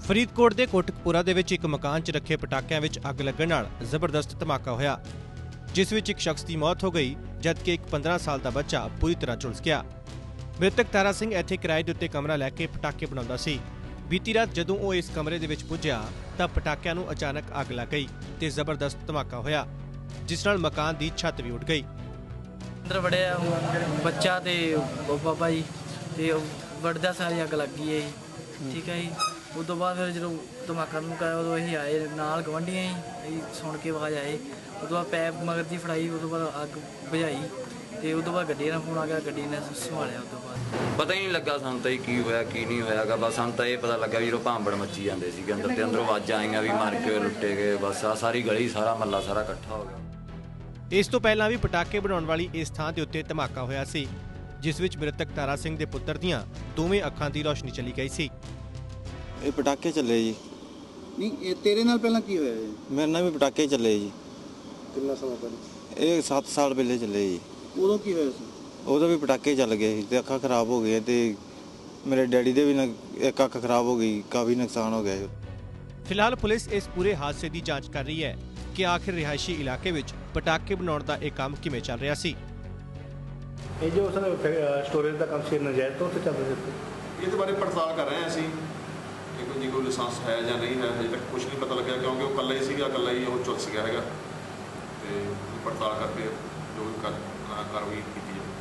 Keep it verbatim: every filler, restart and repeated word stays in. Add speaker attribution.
Speaker 1: ਫਰੀਦਕੋਟ ਦੇ ਕੋਟਕਪੂਰਾ ਦੇ ਵਿੱਚ ਇੱਕ ਮਕਾਨ 'ਚ ਰੱਖੇ ਪਟਾਕਿਆਂ ਵਿੱਚ ਅੱਗ ਲੱਗਣ ਨਾਲ ਜ਼ਬਰਦਸਤ ਧਮਾਕਾ ਹੋਇਆ, ਜਿਸ ਵਿੱਚ ਇੱਕ ਸ਼ਖਸ ਦੀ ਮੌਤ ਹੋ ਗਈ ਜਦਕਿ ਇੱਕ ਪੰਦਰਾਂ ਸਾਲ ਦਾ ਬੱਚਾ ਪੂਰੀ ਤਰ੍ਹਾਂ ਝੁਲਸ ਗਿਆ। ਮ੍ਰਿਤਕ ਤਾਰਾ ਸਿੰਘ ਇੱਥੇ ਕਿਰਾਏ ਦੇ ਉੱਤੇ ਕਮਰਾ ਲੈ ਕੇ ਪਟਾਕੇ ਬਣਾਉਂਦਾ ਸੀ। ਬੀਤੀ ਰਾਤ ਜਦੋਂ ਉਹ ਇਸ ਕਮਰੇ ਦੇ ਵਿੱਚ ਪੁੱਜਿਆ ਤਾਂ ਪਟਾਕਿਆਂ ਨੂੰ ਅਚਾਨਕ ਅੱਗ ਲੱਗ ਗਈ ਤੇ ਜ਼ਬਰਦਸਤ ਧਮਾਕਾ ਹੋਇਆ, ਜਿਸ ਨਾਲ ਮਕਾਨ ਦੀ ਛੱਤ ਵੀ ਉੱਡ ਗਈ।
Speaker 2: ਅੰਦਰ ਵੜਿਆ ਬੱਚਾ ਤੇ ਬਾਬਾ ਜੀ ਤੇ ਵੜਦਾ ਸਾਰੀ ਅੱਗ ਲੱਗ ਗਈ ਹੈ ਜੀ। ਠੀਕ ਹੈ ਜੀ। ਉਸ ਤੋਂ ਬਾਅਦ ਫਿਰ ਜਦੋਂ ਧਮਾਕਾ ਧਮਕਾਇਆ ਉਦੋਂ ਅਸੀਂ ਆਏ ਨਾਲ ਗਵਾਂਢੀਆਂ ਹੀ ਅਸੀਂ ਸੁਣ ਕੇ ਆਵਾਜ਼ ਆਏ। ਉਸ ਤੋਂ ਬਾਅਦ ਪੈਪ ਮਗਰ ਦੀ ਫੜਾਈ, ਉਸ ਤੋਂ ਬਾਅਦ ਅੱਗ ਬੁਝਾਈ ਤੇ ਉਸ ਤੋਂ ਬਾਅਦ ਗੱਡੀ ਨਾਲ ਫੋਨ ਆ ਗਿਆ, ਗੱਡੀ ਨੇ ਸੰਭਾਲਿਆ। ਉਸ ਤੋਂ ਬਾਅਦ
Speaker 3: ਪਤਾ ਹੀ ਨਹੀਂ ਲੱਗਾ ਸਾਨੂੰ ਤਾਂ ਕੀ ਹੋਇਆ ਕੀ ਨਹੀਂ ਹੋਇਆਗਾ। ਬਸ ਸਾਨੂੰ ਤਾਂ ਇਹ ਪਤਾ ਲੱਗਾ ਵੀ ਜਦੋਂ ਭਾਂਬੜ ਮੱਚੀ ਜਾਂਦੇ ਸੀਗੇ ਅੰਦਰ ਤੇ ਅੰਦਰੋਂ ਆਵਾਜ਼ਾਂ ਆਈਆਂ ਵੀ ਮਰ ਕੇ ਲੁੱਟੇ ਗਏ। ਬਸ ਆ ਸਾਰੀ ਗਲੀ ਸਾਰਾ ਮਹੱਲਾ ਸਾਰਾ ਇਕੱਠਾ ਹੋ ਗਿਆ।
Speaker 1: ਇਸ ਤੋਂ ਪਹਿਲਾਂ ਵੀ ਪਟਾਕੇ ਬਣਾਉਣ ਵਾਲੀ ਇਸ ਥਾਂ ਦੇ ਉੱਤੇ ਧਮਾਕਾ ਹੋਇਆ ਸੀ, ਜਿਸ ਵਿੱਚ ਮ੍ਰਿਤਕ ਤਾਰਾ ਸਿੰਘ ਦੇ ਪੁੱਤਰ ਦੀਆਂ ਦੋਵੇਂ ਅੱਖਾਂ ਦੀ ਰੋਸ਼ਨੀ ਚਲੀ ਗਈ ਸੀ।
Speaker 4: ਇਹ ਪਟਾਕੇ ਚੱਲੇ ਜੀ।
Speaker 5: ਨਹੀਂ ਇਹ ਤੇਰੇ ਨਾਲ ਪਹਿਲਾਂ ਕੀ ਹੋਇਆ ਜੀ?
Speaker 4: ਮੇਰੇ ਨਾਲ ਵੀ ਪਟਾਕੇ ਚੱਲੇ ਜੀ।
Speaker 5: ਕਿੰਨਾ ਸਮਾਂ ਪਹਿਲਾਂ?
Speaker 4: ਇਹ ਸੱਤ ਸਾਲ ਪਹਿਲੇ ਚੱਲੇ ਜੀ।
Speaker 5: ਉਦੋਂ ਕੀ ਹੋਇਆ ਸੀ?
Speaker 4: ਉਦੋਂ ਵੀ ਪਟਾਕੇ ਚੱਲ ਗਏ ਸੀ ਤੇ ਅੱਖਾਂ ਖਰਾਬ ਹੋ ਗਈਆਂ ਤੇ ਮੇਰੇ ਡੈਡੀ ਦੇ ਵੀ ਇੱਕ ਅੱਖ ਖਰਾਬ ਹੋ ਗਈ, ਕਾਫੀ ਨੁਕਸਾਨ ਹੋ ਗਿਆ।
Speaker 1: ਫਿਲਹਾਲ ਪੁਲਿਸ ਇਸ ਪੂਰੇ ਹਾਦਸੇ ਦੀ ਜਾਂਚ ਕਰ ਰਹੀ ਹੈ ਕਿ ਆਖਿਰ ਰਿਹਾਇਸ਼ੀ ਇਲਾਕੇ ਵਿੱਚ ਪਟਾਕੇ ਬਣਾਉਣ ਦਾ ਇਹ ਕੰਮ ਕਿਵੇਂ ਚੱਲ ਰਿਹਾ ਸੀ।
Speaker 6: ਇਹ ਜੋ ਉਸਨੇ ਸਟੋਰੇਜ ਦਾ ਕੰਮ ਸੀ ਨਜਾਇਜ਼ ਤੌਰ ਤੇ ਚੱਲ ਰਿਹਾ ਸੀ।
Speaker 7: ਇਹਦੇ ਬਾਰੇ ਪੜਤਾਲ ਕਰ ਰਹੇ ਹਾਂ ਅਸੀਂ ਕਿ ਕੋਈ ਕੋਈ ਲਾਇਸੈਂਸ ਹੈ ਜਾਂ ਨਹੀਂ ਹੈ। ਹਜੇ ਤੱਕ ਕੁਝ ਨਹੀਂ ਪਤਾ ਲੱਗਿਆ ਕਿਉਂਕਿ ਉਹ ਇਕੱਲਾ ਹੀ ਸੀਗਾ, ਇਕੱਲਾ ਹੀ ਉਹ ਝੁਲਸ ਗਿਆ ਹੈਗਾ ਤੇ ਪੜਤਾਲ ਕਰਕੇ ਜੋ ਵੀ ਕਾਰਵਾਈ ਕੀਤੀ ਜਾਵੇ।